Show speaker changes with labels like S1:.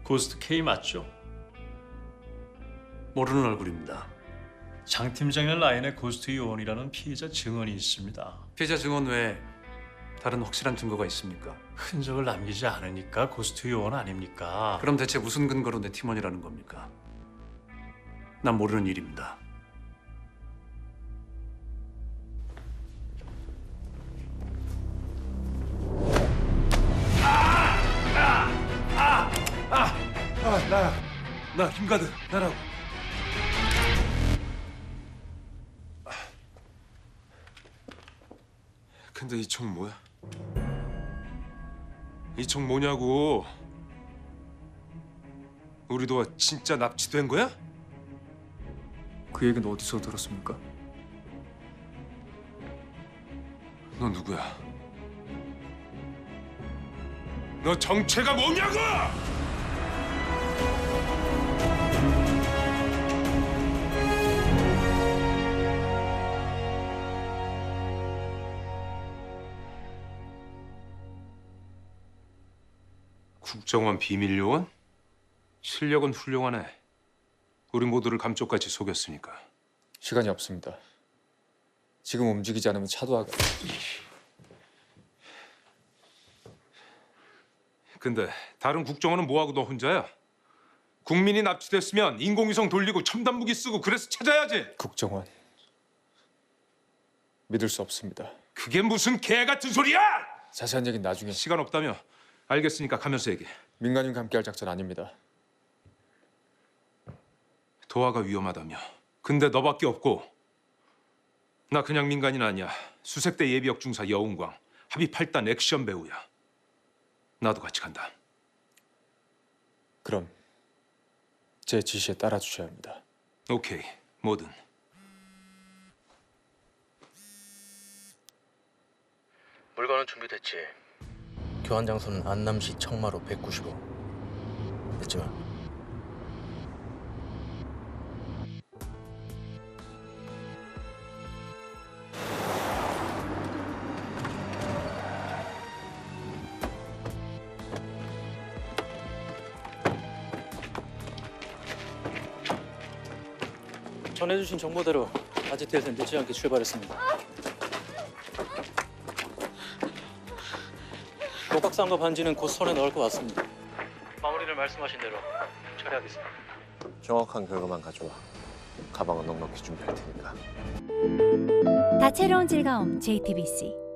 S1: 고스트 K 맞죠? 모르는 얼굴입니다. 장 팀장의 라인에 고스트 요원이라는 피해자 증언이 있습니다.
S2: 피해자 증언 외에 다른 확실한 증거가 있습니까?
S1: 흔적을 남기지 않으니까 고스트 요원 아닙니까?
S2: 그럼 대체 무슨 근거로 내 팀원이라는 겁니까? 난 모르는 일입니다.
S3: 나 김가드 나라고. 근데 이 총 뭐야? 이 총 뭐냐고? 우리 도와 진짜 납치된 거야?
S4: 그 얘기는 어디서 들었습니까?
S3: 너 누구야? 너 정체가 뭐냐고? 국정원 비밀요원? 실력은 훌륭하네. 우리 모두를 감쪽같이 속였으니까.
S4: 시간이 없습니다. 지금 움직이지 않으면 차도하가
S3: 근데 다른 국정원은 뭐하고 너 혼자야? 국민이 납치됐으면 인공위성 돌리고 첨단 무기 쓰고 그래서 찾아야지.
S4: 국정원 믿을 수 없습니다.
S3: 그게 무슨 개 같은 소리야!
S4: 자세한 얘기는 나중에.
S3: 시간 없다며? 알겠으니까 가면서 얘기해.
S4: 민간인과 함께할 작전 아닙니다.
S3: 도화가 위험하다며. 근데 너밖에 없고. 나 그냥 민간인 아니야. 수색대 예비역 중사 여운광. 합의 8단 액션 배우야. 나도 같이 간다.
S4: 그럼 제 지시에 따라주셔야 합니다.
S3: 오케이, 뭐든.
S5: 물건은 준비됐지. 교환 장소는 안남시 청마로 195. 잊지 마. 전해주신 정보대로 아지트에서 늦지 않게 출발했습니다. 목각상과 반지는 곧 손에 넣을 것 같습니다. 마무리를 말씀하신 대로 처리하겠습니다.
S6: 정확한 결과만 가져와. 가방은 넉넉히 준비할 테니까.
S7: 다채로운 즐거움 JTBC